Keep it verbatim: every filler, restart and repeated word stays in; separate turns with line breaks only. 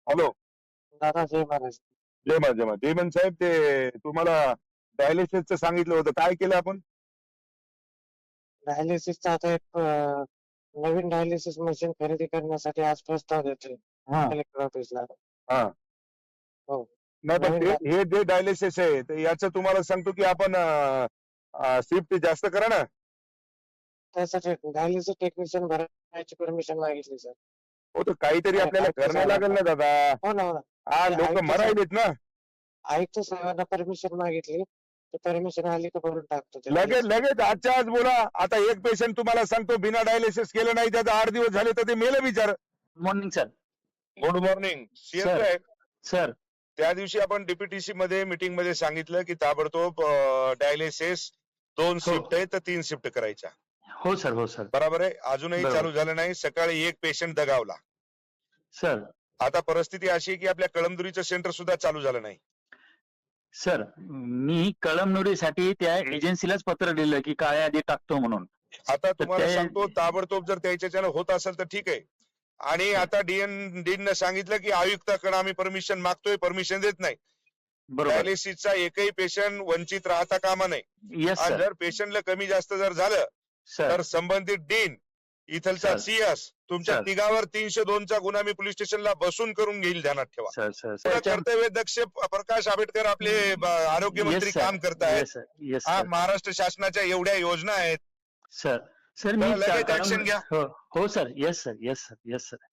Hello.
दादा जय महाराज.
जय महाराज जय महाराज. जयमन साहेब, ते तुम्हाला डायलिसिसचं सांगितलं होतं, काय केलं आपण?
डायलिसिसचा आता एक अं, नवीन डायलिसिस मशीन खरेदी करण्यासाठी आज प्रस्ताव देतोय कलेक्टर ऑफिसला.
हा.
हो.
नाही पण
नवीन
ते
डाय-
हे जे डायलिसिस आहे तर याचं तुम्हाला सांगतो की आपण शिफ्ट जास्त करा ना.
त्यासाठी डायलिसिस टेक्निशियन भरायची परमिशन मागितली सर.
हो, तर काहीतरी आपल्याला
आयुक्त
करणं लागेल ना दादा.
हो ना हो ना.
हा,
ते
लोक
आयुक्त साहेब-
मरायलेत ना.
आयुक्त साहेबांना परमिशन मागितली, ते परमिशन आली तर भरून टाकतो ते
लगेच
dialysis.
लगेच आजच्या आज बोला. आता एक पेशंट तुम्हाला सांगतो बिना डायलिसिस केलं नाही, त्याचा आठ दिवस झाले तर ते मेलं बिचार.
Morning sir.
Good morning CS
Sir.
साहेब.
सर
त्या दिवशी आपण डीपीटीसी मध्ये मीटिंग मध्ये सांगितलं की ताबडतोब डायलिसिस दोन
हो.
शिफ्ट आहे तर तीन शिफ्ट करायच्या.
हो सर हो सर
बरोबर आहे. अजूनही
बरोबर.
चालू झालं नाही. सकाळी एक पेशंट दगावला.
सर
आता परिस्थिती अशी आहे की आपल्या कळमदुरीचं सेंटर सुद्धा चालू झालं नाही.
सर मी कळमनुरीसाठी त्या एजन्सीलाच पत्र दिलं की काळ्या यादी टाकतो म्हणून.
आता तुम्हाला
ते-
सांगतो ताबडतोब जर त्याच्याच्यानं होत असेल तर ठीक आहे. आणि आता डीएन डीन सांगितलं की आयुक्ताकडे आम्ही परमिशन मागतोय, परमिशन देत नाही.
बरोबर.
डायलिसिसचा एकही पेशंट वंचित राहता कामा नये.
येस
आणि
सर.
जर पेशंटला कमी जास्त जर झालं
सर
तर संबंधित डीन इथलचा
सर.
सीएस तुमच्या
सर.
तिघावर तीनशे दोनचा गुन्हा मी पोलीस स्टेशनला बसून करून घेईल, ध्यानात ठेवा.
सर सर
पुढं
सर
कर्तव्य दक्ष प्रकाश आंबेडकर आपले ब- आरोग्य मंत्री काम करतायत.
येस सर येस
हा,
सर
महाराष्ट्र शासनाच्या एवढ्या योजना आहेत.
सर सर मी
तर लगेच
कळम-
action घ्या.
हो हो sir yes sir yes sir yes sir